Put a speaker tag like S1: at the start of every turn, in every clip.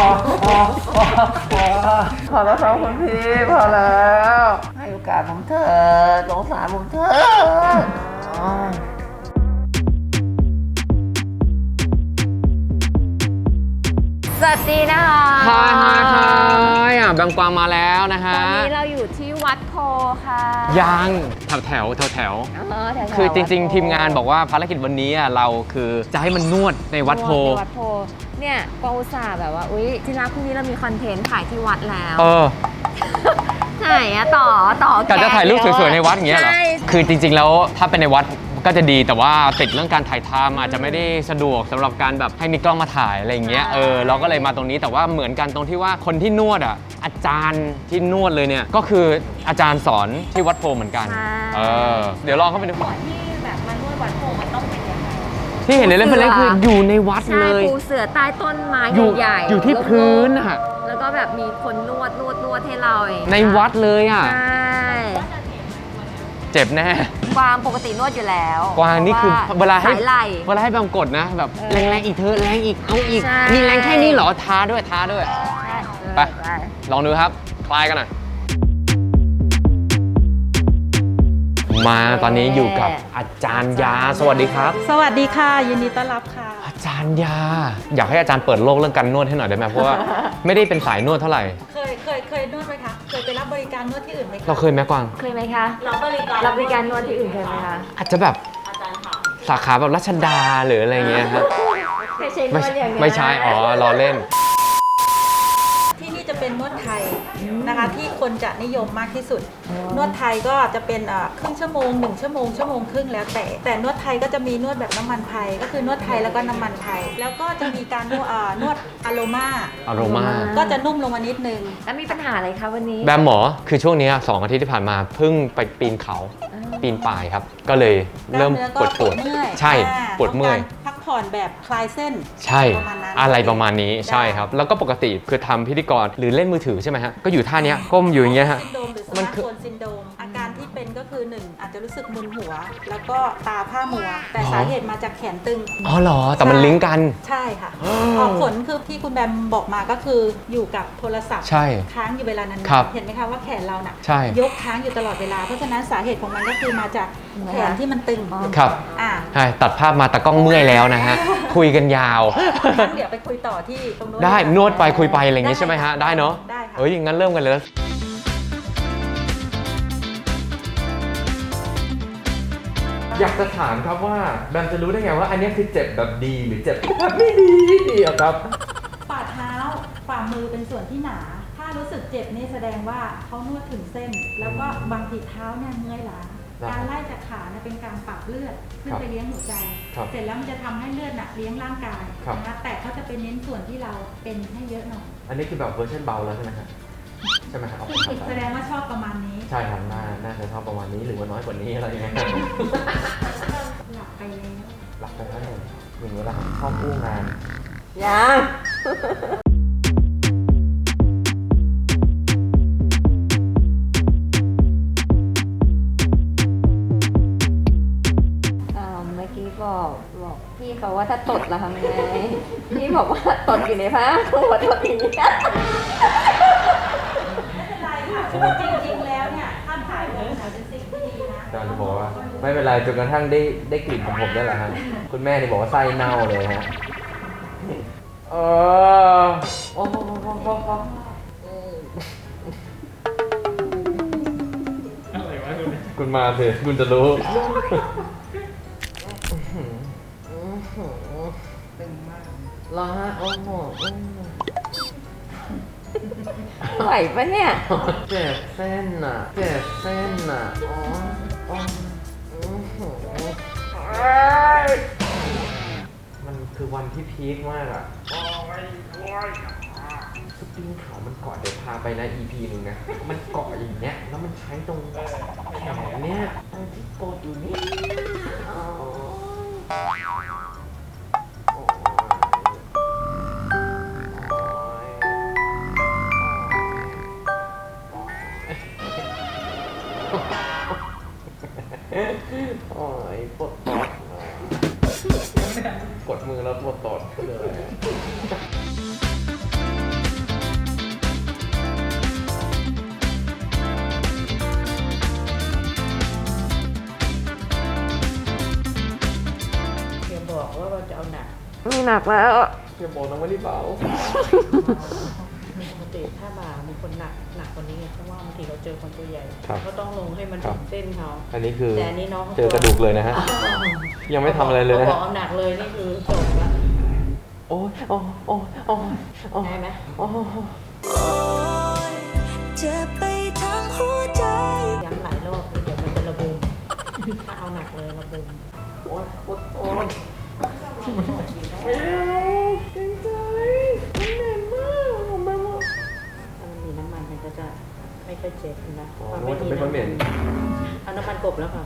S1: พอแล้วครับคุณพี่พอแล้วให้โอกาสผมเถอะสงสารผมเถอะ
S2: สวัสดีนะคะ
S3: ฮายแบงกวางมาแล้วนะฮะ
S2: ตอนนี้เราอยู่ที่วัดโพค่ะ
S3: ยังแถวคือจริงๆทีมงานบอกว่าภารกิจวันนี้เราคือจะให้มันนวดในวัดโพ
S2: ในวัดโพเนี่ยก็อุตส่าห์แบบว่าอุ๊ยที่รักพรุ่งนี้เรามีคอนเทนต์ถ่ายที่วัดแล้ว ไหนอะต่อกะ
S3: จะถ่ายรูปสวยๆในวัดอย่างเงี้ยเหรอ
S2: ใช่
S3: คือจริงๆแล้วถ้าเป็นในวัดก็จะดีแต่ว่าติดเรื่องการถ่ายทำอาจจะไม่ได้สะดวกสำหรับการแบบให้มีกล้องมาถ่ายอะไรอย่างเงี้ยเราก็เลยมาตรงนี้แต่ว่าเหมือนกันตรงที่ว่าคนที่นวดอาจารย์ที่นวดเลยเนี่ยก็คืออาจารย์สอนที่วัดโพเหมือนกันเดี๋ยวลองเข้าไปดู
S2: ก่อนที่แบบมานวดวัดโพมันต้องเป็นยังไง
S3: ที่เห็นในเล่มเป็นเล่มคืออยู่ในวัด
S2: ใช่
S3: เลย
S2: ปูเสือใต้ต้นไม้ ใหญ่ๆ
S3: อยู่ที่พื้นอะ
S2: แล้วก็แบบมีคนนวดให้เราเอง
S3: ในวัดเลยอะ
S2: ใช่
S3: เจ็บแน่
S2: กวางปกตินวดอยู่แล้ว
S3: กวางนี่คือเวลาให้
S2: สายไหล่
S3: เวลาให้แบมกดนะแบบแรงๆอีกเธอแรงอีกเอาอีก
S2: ใช่
S3: มีแรงแค่นี้เหรอท้าด้วย
S2: ใช่
S3: ไป ลองดูครับคลายกันหน่อยมาตอนนี้อยู่กับอาจารย์ยาสวัสดีครับ
S4: สวัสดีค่ะ ยินดีต้อนรับค่ะ
S3: อาจารย์ยา อยากให้อาจารย์เปิดโลกเรื่องการนวดให้หน่อยได้ไหมเพราะว่าไม่ได้เป็นสายนวดเท่าไหร่
S4: เคยนวดไหมคะ เคยไปรับบริการนวดที่อื่นไหมคะ
S3: เราเคยไหมกวาง
S2: เคยไหมคะ
S4: รับบริการ
S2: รับบริการนวดที่อื่นเคยไหมคะ
S3: อาจจะแบบสาขาแบบรัชดาหรืออะไรเงี้ยครับ
S2: ไม่ใช่นวดอย่างนี้
S3: ไม่ใช่อ๋อล้อเล่น
S4: ที่นี่จะเป็นนวดไทยนะคะที่คนจะนิยมมากที่สุด นวดไทยก็จะเป็นครึ่งชั่วโมง1ชั่วโมงชั่วโมงครึ่งแล้วแต่นวดไทยก็จะมีนวดแบบน้ำมันไทยก็คือนวดไทยแล้วก็น้ำมันไทย แล้วก็จะมีการนวดอะโรมา
S3: อโรมา
S4: ก็จะนุ่มลงมานิดนึง
S2: แล้วมีปัญหาอะไรคะวันนี้
S3: แบมหมอคือช่วงนี้2 อาทิตย์ที่ผ่านมาเพิ่งไปปีนเขาปีนป่ายครับ ก็เลยเริ่ม
S4: กล้าม
S3: ปวด
S4: เนื้อก็เมื่อย
S3: ใช่ปวดเมื่อย
S4: ต้องการพักผ่อนแบบคลายเส้น
S3: ใช่
S4: ประมาณนั้น
S3: อะไรประมาณนี้
S4: ได้
S3: ใช่ครับ แล้วก็ปกติคือทำพิธีกรหรือเล่นมือถือใช่ไหมฮะก็อยู่ท่าเนี้ยก้มอยู่อย่างเงี้ยฮะ
S4: ซินโดรมหรือส
S3: มั
S4: มาน ร์ท
S3: คือ
S4: โฟนซินโดรมอาการที่เป็นก็คือ 1 อาจจะรู้สึกมึนหัว แล้วก็ตาผ้ามัว แต่สาเหตุมาจากแขนตึง
S3: อ๋อเหรอแต่มันลิงก์กัน
S4: ใช่ค่ะออกผลคือที่คุณแบมบอกมาก็คืออยู่กับโทรศัพท์
S3: ใช่
S4: ค้างอยู่เวลานั้น
S3: ครับ
S4: เห็นไหมคะว่าแขนเราน่ะ
S3: ใช่
S4: ยกค้างอยู่ตลอดเวลา เพราะฉะนั้นสาเหตุของมันก็คือมาจากแขนที่มันตึง
S3: ครับ
S4: อ่า
S3: ใช่ตัดภาพมาตะกล้องเมื่อยแล้วนะฮะคุยกันยาว
S4: งั้นเดี๋ยวไปคุยต่อที่ตรงโน้น
S3: ได้
S4: ค่ะ
S3: นวดไปคุยไปอะไรอย่างงี้ใช่ไหมฮะได้เนาะ
S4: ได้ค่ะ
S3: เอ้ยงั้นเริ่มกันเลยอยากจะถามครับว่าแบมจะรู้ได้ไงว่าอันนี้คือเจ็บแบบดีหรือเจ็บแบบไม่ดีอะครับ
S4: ฝ่าเท้าฝ่ามือเป็นส่วนที่หนา ถ้ารู้สึกเจ็บนี่แสดงว่าเขานวดถึงเส้น แล้วก็บางทีเท้าเนี่ยเมื่อยล้า
S3: ครับ
S4: การไล่จากขาเนี่ยเป็นการปรับเลือดขึ้น
S3: ครับ
S4: ไปเลี้ยงหัวใจ
S3: ครับ
S4: เสร็จแล้วมันจะทำให้เลือดน่ะเลี้ยงร่างกาย
S3: ครับ
S4: นะคะแต่เขาจะเป็นเน้นส่วนที่เราเป็นให้เยอะหน่อย
S3: อันนี้คือแบบเวอร์ชันเบาแล้วใช่ไหมครับใช่ไหมครับ
S4: คือแสดงว่าชอบประมาณนี้
S3: ใช่ครับน่าจะชอบประมาณนี้หรือว่าน้อยกว่านี้อะไรอย่างเงี้ย
S4: หลับไปแล้ว
S3: หลับไปแล้วเนี่ยอย่างนี้แหละครับชอบอู้งาน
S2: ยัง เมื่อกี้บอกพี่เขาว่าถ้าตดเราทำไงพี่บอกว่าตดอยู่ในผ้าหัวตดอย่างนี้
S4: ไม่เป็นไรค่ะจริงๆแล้วเนี่ยถ้าถ่ายรูปเนี่ยเป็นสิ่งที่ดีนะ
S3: อาจารย์จะบอกว่าไม่เป็นไรจนกระทั่งได้กลิ่นของผมได้แหละฮะคุณแม่นี่บอกว่าไส้เน่าเลยฮะโอ้โหคุณมาสิคุณจะรู้รอฮะโอ้โห
S2: ไหวปะเนี่ย
S3: เจ็บเส้นอ่ะเจ็บเส้นอ่ะมันคือวันที่พีคมากอ่ะคือปีนเขามันเกาะเดี๋ยวพาไปนะ EP หนึ่งนะ มันเกาะอย่างเงี้ย แล้วมันใช้ตรงแขนเนี้ยตรงที่กดอยู่นี่โอ้ยปวดตดกดมือแล้วปวดตดเลย
S2: หนักแล้ว
S3: อย่าบอกนะว่ารีบเบา
S5: ปกติถ้าบ่ามีคนหนักกว่านี้เพราะว่าบางทีเราเจอคนตัวใหญ่
S3: ครับ
S5: ก็ต้องลงให้มันถึงเส้นเขา
S3: อันนี้คือ
S5: แต่อันนี้น้องเขา
S3: เจอกระดูกเลยนะฮะ ยังไม่ทำอะไรเลยนะ
S5: บอ
S3: ฮะ
S5: กเอาหนักเลยนี่คือจบละ
S3: โอ้ยโอ้ยโอ้ยโอ้ยโอ้ย
S5: ได้ไหม
S3: โอ้ย
S6: เจ็บไปทั้งหัวใจ
S5: ย้ำหลายรอบเดี๋ยวมันจะระบมถ้าเอาหนักเลยระบม
S3: โอ้ยโอ้ยโอ้ย
S5: ถ้ามันมีน้ำมันมันก็จะไม่ค่อยเจ็บนะ
S3: อ๋อ
S5: พอ
S3: มันจะไม่ค่อยเหม็น
S5: เอาน้ำมันกบแล้วค่ะ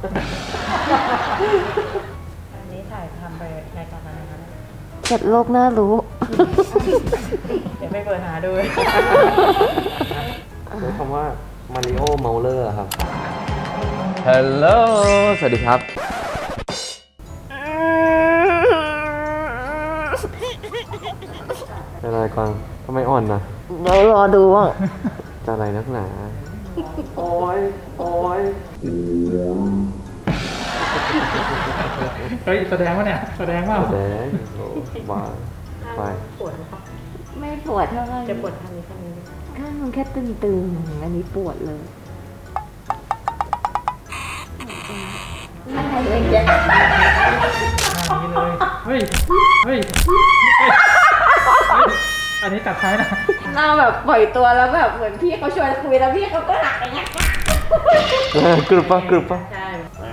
S5: อันนี้ถ่ายทำไปรายการอะไรคะเนี่ย
S2: เจ็ดโลกน่ารู้
S5: เดี๋ยวไปเปิดหาดู
S3: ใช้คำว่ามาริโอเมาเลอร์ครับฮัลโหลสวัสดีครับ เป็นอะไรกวางทำไมอ่อนนะ
S2: เดี๋ยวรอดูว่า
S3: จะอะไรนักหนา โอ้ยโอ้ย
S7: เฮ้ยแสดงว่าเนี่ยแสดงว่า
S3: แดงโอ้บ้าไป
S5: ปวดไหมคะ
S2: ไม่ปวดเท่าไหร่
S5: จะปวดทางนี้ข้างนี้ไหม
S2: ข้างมันแค่ตึงๆ อันนี้ปวดเลยอะไรเลยเนี่ย
S7: อันนี้เลย เฮ้ย เฮ้ย อันนี้ตัดท้ายนะ
S2: เราแบบปล่อยตัวแล้วแบบเหมือนพี่เขาชวนคุยแล้วพี่เขาก็หักอย่างเงี้ย
S3: กรึบปะกรึบปะ
S5: ใช่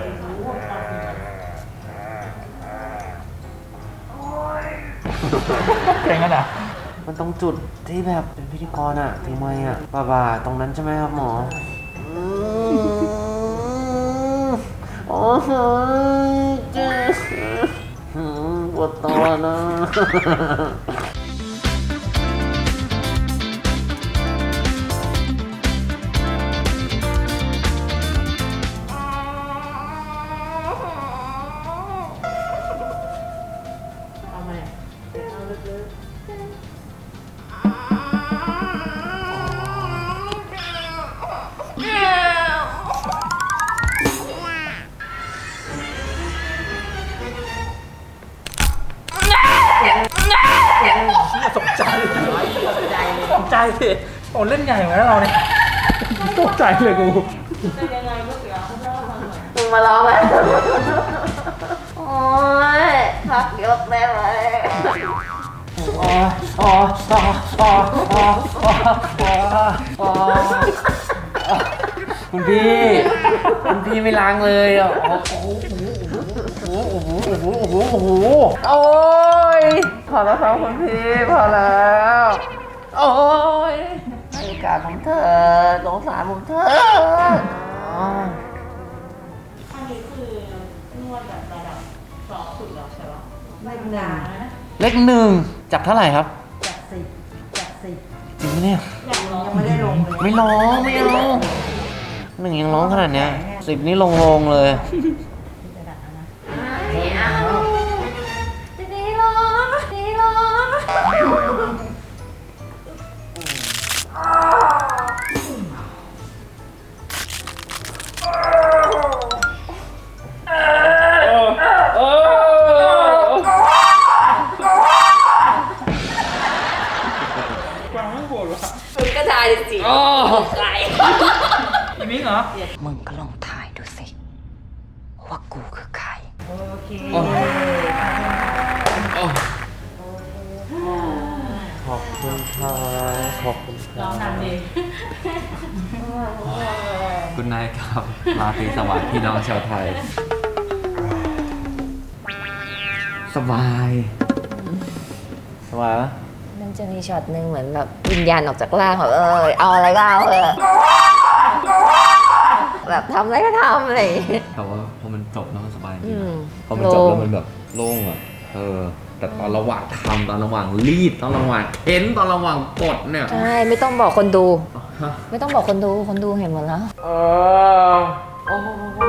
S7: เก่งกันอ่ะ
S1: มันตรงจุดที่แบบเป็นพิธีกรอะทำไมอะบ่าตรงนั้นใช่ไหมครับหมอโอ้โหเจ็บปวดตัวนะ
S5: เอามาเอาลึกๆ
S7: ตกใจตกใจสิโอ้เล่นใหญ่เหมือนกันนะเราเนี่ยตกใจเลยกู
S2: มึงมาร้องไหมโอ้ยพักยกได้ไหม
S1: อ๋ออ๋ออ๋ออ๋ออ๋ออ๋อคุณพี่ไม่ล้างเลยอ่ะโอ้โหโอ้โหโอ้โหโอ้โหโอ้โหโอ้โหโอ้ยพอแล้วครับคุณพี่พอแล้วโอ้ยให้โอกาสผมเถอะสงสารผมเถอะอ๋อ
S5: อันนี้คือนวดแบบระดับสองสุดแล้วใช่ปะไม่นานนะ
S1: เลขหนึ่งจากเท่าไหร่ครับ
S5: จากสิบจากสิบ
S1: จริงไหมเนี่ย
S5: ยังไม่ได้ลงเลย
S1: ไม่ร้องไม่เอาหนึ่งยังร้องขนาดเนี้ย10นี่ลงเลย
S2: ไม่เอาดีร้องดีร้อง
S7: กวางไม่ปวดหรอ
S2: มึงก็ทายสิใคร
S7: อีมิงเหรอ
S6: มึงก็ลองถ่ายดูสิ ว่ากูคือใคร
S5: โอเค
S3: ขอบคุณครับขอบคุณค
S5: ล
S3: รั
S5: อบ งทำดิ
S3: คุณนายครับราตรีสวัสดิ์พี่น้องชาวไทย สบายสบายปะ
S2: มันจะมีช็อตหนึ่งเหมือนแบบวิญญาณออกจากร่างแบบเอาอะไรก็เอาแบบทำอะไรก็ทำอะไรอย่างเงี้ย
S3: แต่ว่าพอมันจบแล้วมันสบายจริ
S2: อื
S3: ง
S2: ม
S3: พอมันจบแล้วมันแบบโล่งอ่ะแต่ตอนระหว่างทำตอนระหว่างรีดตอนระหว่างเค้นตอนระหว่างกดเนี่ย
S2: ใช่ไม่ต้องบอกคนดู
S3: ฮะ
S2: ไม่ต้องบอกคนดูคนดูเห็นหมดแล้ว
S1: โอ้โห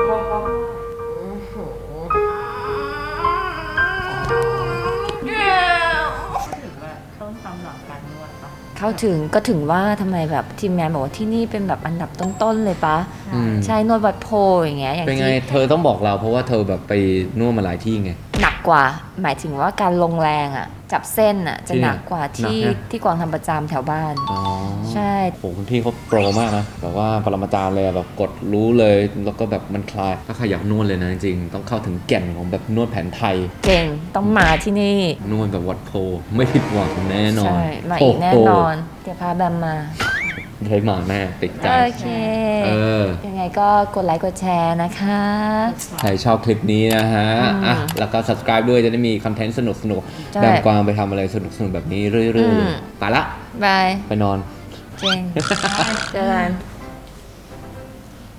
S5: ต้องทำหลังการนวดปะ
S2: เข้าถึงก็ถึงว่าทำไมแบบทีมงานบอกว่าที่นี่เป็นแบบอันดับต้นๆเลยปะ
S3: อืม
S2: ใช่นวดวัดโพอย่างเงี้ยอย่าง
S3: เป็นไง
S2: ที่
S3: เธอต้องบอกเราเพราะว่าเธอแบบไปนวดมาหลายที่ไง
S2: หนักกว่า หมายถึงว่าการลงแรงอะจับเส้นอะจะหนักกว่า
S1: หนัก
S2: ที่
S1: นะ
S2: ที่กวางทำประจำแถวบ้าน
S1: อ๋อ
S2: ใช่
S1: โหคุณพี่เขาโปรมากนะแบบว่าปรมาจารย์เลยอะแบบกดรู้เลย แล้วก็แบบมันคลาย ถ้าใครอยากนวดเลยนะจริงๆต้องเข้าถึงแก่นของแบบนวดแผนไทย
S2: เก่งต้องมาที่นี่
S1: นวดแบบวัดโพไม่ผิดหวังแน่นอน
S2: ใช่ มาอีกแน่นอน เดี๋ยวพาแบมมา
S1: ใช้มาแน่ติดใจ
S2: โอเค
S1: เออ
S2: ยังไงก็กดไลค์กดแชร์นะคะ
S1: ใครชอบคลิปนี้นะฮะ อ่ะ แล้วก็ subscribe ด้วยจะได้มีคอนเทนต์สนุก
S2: ใช่
S1: ๆแบมกวางไปทำอะไรสนุกๆแบบนี้เรื่อยๆ ไปละ
S2: บาย
S1: ไปนอน
S2: เจงเจอกัน